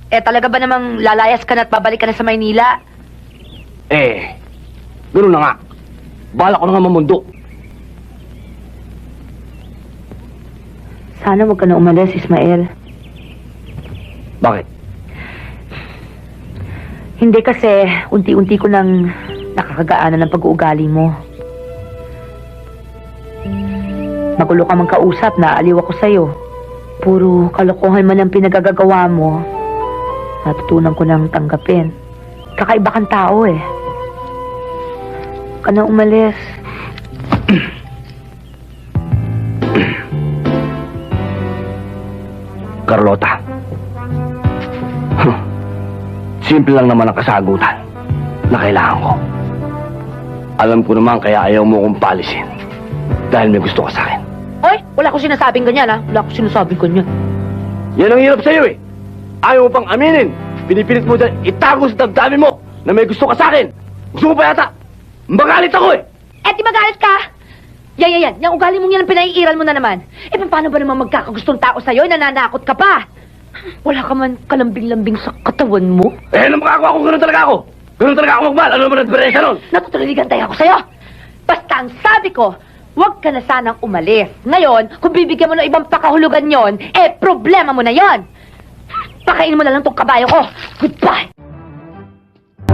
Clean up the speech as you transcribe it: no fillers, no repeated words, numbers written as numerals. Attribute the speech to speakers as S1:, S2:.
S1: talaga ba namang lalayas ka na at babalik ka na sa Maynila?
S2: Ganoon na nga. Bala ko na nga mamundo.
S1: Sana wag ka na umalis, Ismael.
S2: Bakit?
S1: Hindi kasi, unti-unti ko nang nakakagaanan ng pag-uugali mo. Magulo ka mang kausap, naaliw ako sa'yo. Puro kalokohan man ang pinagagagawa mo. Natutunan ko nang tanggapin. Kakaiba kang tao eh. Huwag ka na umalis.
S2: Carlota. Simple lang naman ang kasagutan na kailangan ko. Alam ko naman kaya ayaw mo kong palisin. Dahil may gusto ka sa akin.
S1: Oy, wala ko sinasabing ganyan ha. Wala ko sinasabing ganyan.
S2: Yan ang hirap sa'yo eh. Ayaw mo pang aminin. Pinipilit mo dyan itago sa damdamin mo na may gusto ka sa akin. Gusto mo pa yata. Magalit ako eh.
S1: Eh, di magalit ka? Yan. Yung ugali mong yan ang pinaiiral mo na naman. Paano ba naman magkakagustong tao sa'yo? Nananakot ka pa. Wala ka man kalambing-lambing sa katawan mo.
S2: Ano makakawa kung gano'n talaga ako? Gano'n talaga ako magmahal. Ano naman ang diferensya nun?
S1: Natutuliligan tayo ako sa'yo. Basta ang sabi ko, huwag ka na sanang umalis. Ngayon, kung bibigyan mo ng ibang pakahulugan yon, problema mo na yon. Pakainin mo na lang tong kabayo ko. Goodbye.